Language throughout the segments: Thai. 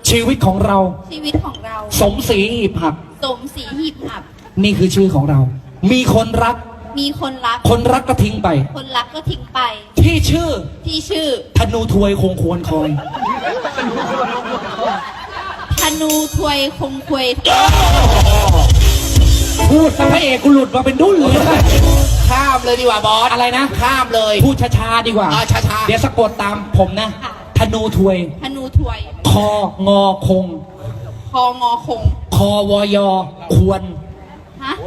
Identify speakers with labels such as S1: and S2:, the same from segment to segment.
S1: ชีวิตของเรา
S2: ชีวิตของเรา
S1: สมศรีหีบหัก
S2: สมศรีหีบหับ
S1: นี่คือชื่อของเรา มีคนรัก
S2: มีคนรัก
S1: คนรักก็ทิ้งไป
S2: คนรักก็ทิ้งไป
S1: ที่ชื่อ
S2: ที่ชื่อ
S1: ธนูทวยคงควรคอย
S2: ธนูถวยคงควย
S1: พูดซะพระเอกกูหลุดมาเป็นดุ้นเลย
S3: ข้ามเลยดีกว่าบอส
S1: อะไรนะ
S3: ข้ามเลย
S1: พูดช้าๆดีกว่า
S3: ช้าๆ
S1: เดี๋ยวสะกดตามผมนะ ธนูทวย
S2: ธนูถวย
S1: คองอคง
S2: คองอคง
S1: คอวอยอควร
S2: ฮะ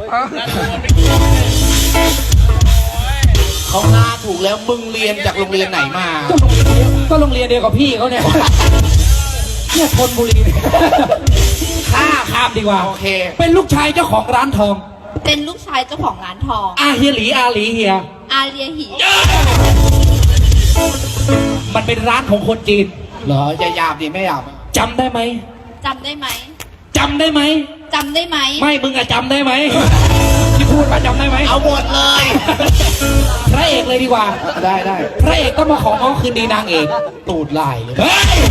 S3: เขาหน้าถูกแล้วมึงเรียนจากโรงเรียนไหนมา
S1: ก็โรงเรียนเดียวกับพี่เขาเนี่ยเนี่ยธนบุรีข้ามดีกว่า
S3: โอเค
S1: เป็นลูกชายเจ้าของร้านทอง
S2: เป็นลูกชายเจ้าของร้านทอง
S1: อาเฮียหลีอาหลีเฮีย
S2: อาเรียหี
S1: มันเป็นร้านของคนจีน
S3: เหรอจะหยาบดิไม่หยาบ
S1: จำได้ไหม
S2: จำได้ไหม
S1: จำได้ไหม
S2: จำได้ไหม
S1: ไม่มึงอะจำได้ไหมที่พูดมาจำได้ไหม
S3: เอาหมดเลย
S1: พระเอกเลยดีกว่า
S3: ได้
S1: พระเอกก็มาของ้อคืนดีนางเอก
S3: ตูดไหลเลย
S1: เฮ้ย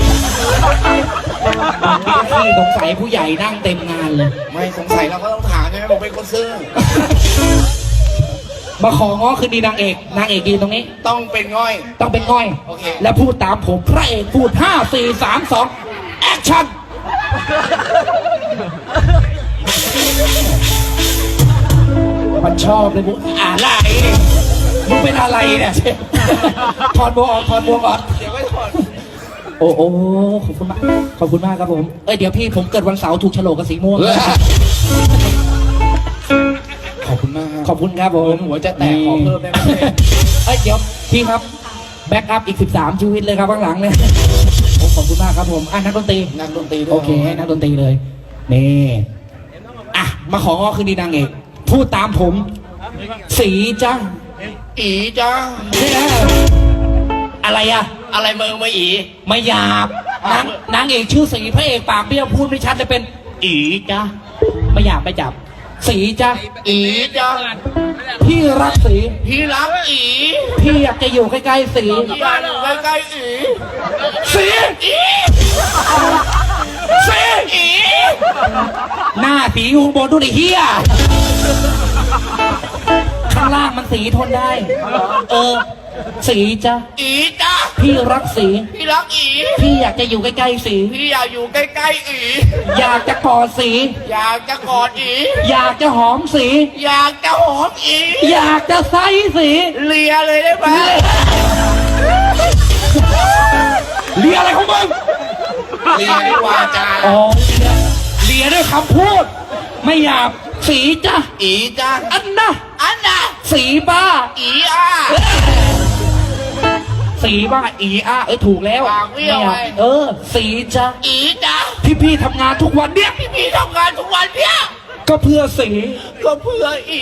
S1: พี่สงสัยผู้ใหญ่นั่งเต็มงานเลย
S3: ไม่สงสัยเราก็ต้องถามใช่ไหมผมเป็นคนซื่อ
S1: มาของ้อคืนดีนางเอกนางเอกยืนตรงนี้
S3: ต้องเป็นง่อย
S1: ต้องเป็นง่อย
S3: โอเค
S1: แล้วพูดตามผมพระเอกพูด5 4 3 2แอคชั่นมันชอบเลยมึงอะไรมึงเป็นอะไรเนี่ยถอดบวกออกถอดบวกออก
S3: เดี๋ยวไม่ถอด
S1: โอ้ขอบคุณมากขอบคุณมากครับผมเดี๋ยวพี่ผมเกิดวันเสาร์ถูกโฉลกกับสีม่วง
S3: ขอบคุณมาก
S1: ขอบคุณครับผม
S3: หัวจะแตกขอเพิ่มได้ไหม
S1: เดี๋ยวพี่ครับแบ็กอัพอีก13ชีวิตเลยครับข้างหลังเนี่ยขอบคุณมากครับผมนักดนตรี
S3: นักดนตรีด้วย
S1: โอเคให้นักดนตรีเลยนี่มาของ้อคืนดีนางเอกพูดตามผมสีจ้า
S3: อีจ้า
S1: อะไรอะ
S3: อะไรมึงมาอี
S1: ไม่หยาบนางเอกชื่อสีพระเอกปากเบี้ยวพูดไม่ชัดเลยเป็นอีจ้าไม่หยาบไม่จับสีจ้า
S3: อีจ้า
S1: พี่รักสี
S3: พี่รักอี
S1: พี่อยากจะอยู่ใกล้ๆสี
S3: อยากอยู่ใกล้ๆอี
S1: สีสี
S3: อี
S1: หน้าสีอยู่ข้างบนดูดิเฮียข้างล่างมันสีทนได้สีจ้า
S3: อีจ้า
S1: พี่รักสี
S3: พี่รักอี
S1: พี่อยากจะอยู่ใกล้ๆสี
S3: พี่อยากอยู่ใกล้ๆอี
S1: อยากจะกอดสี
S3: อยากจะกอดอี
S1: อยากจะหอมสี
S3: อยากจะหอมอี
S1: อยากจะไซสี
S3: เลียเลยได้ไหม
S1: เลียอะไรของมึง
S3: เลียดีกว่าจ้า
S1: เลียด้วยคำพูด ไม่หยาบสีจ้ะ
S3: อีจ้า
S1: อันนะ
S3: อันน่ะ
S1: สีบ้า
S3: อีอ่ะ
S1: สีบ้าอีอาถูกแล้ว
S3: ปากเบี้ยว
S1: ไม่หา
S3: ไง
S1: บสีจ้ะ
S3: อีจ้า
S1: พี่ทำงานทุกวันเนี่ย
S3: พี่ทำงานทุกวันเนี่ย
S1: ก็เพื่อสี
S3: ก็เพื่ออี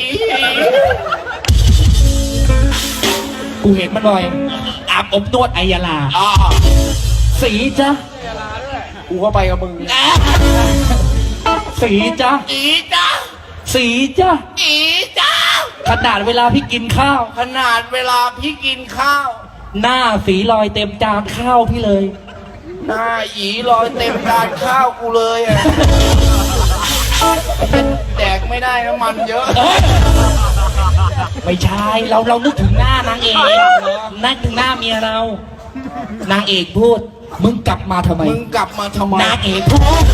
S1: กูเห็นมันบ่อยอาบอบนวดไอยาลา
S3: อ๋อ
S1: สีจ้ะ
S3: กูก็ไปกับมึง
S1: สีจ้ะ
S3: อีจ้า
S1: สีจ้ะ
S3: อีจ้า
S1: ขนาดเวลาพี่กินข้าว
S3: ขนาดเวลาพี่กินข้าว
S1: หน้าสีลอยเต็มจานข้าวพี่เลย
S3: หน้าอีลอยเต็มจานข้าวกูเลยอ่ะแดกไม่ได้น้ำมันเยอะ
S1: ไม่ใช่เรานึกถึงหน้านางเอกนึกถึงหน้าเมียเรา นางเอกพูด มึงกลับมาทำไม
S3: มึงกลับมาทำไม
S1: นางเอกพูด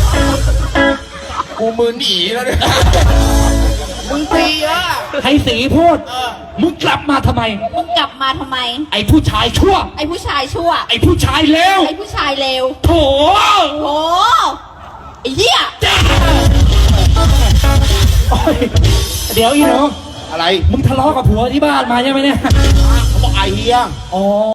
S3: กูมึนอีแล้วเนี่ยมึงตีเยอะ
S1: ให้สีพูด มึงกลับมาทำไม
S2: มึงกลับมาทำไม
S1: ไอ้ผู้ชายชั่ว
S2: ไอ้ผู้ชายชั่ว
S1: ไอ้ผู้ชายเลว
S2: ไอ้ผู้ชายเลว
S1: โถ
S2: โอ้ไอ้เหี้ย
S1: จ้าโอ๊ยเดี๋ยวอีหนู
S3: อะไร
S1: มึงทะเลาะกับผัวที่บ้านมาใช่ไหมเนี่ย
S3: เขาบอกไอเฮีย
S1: อ๋อ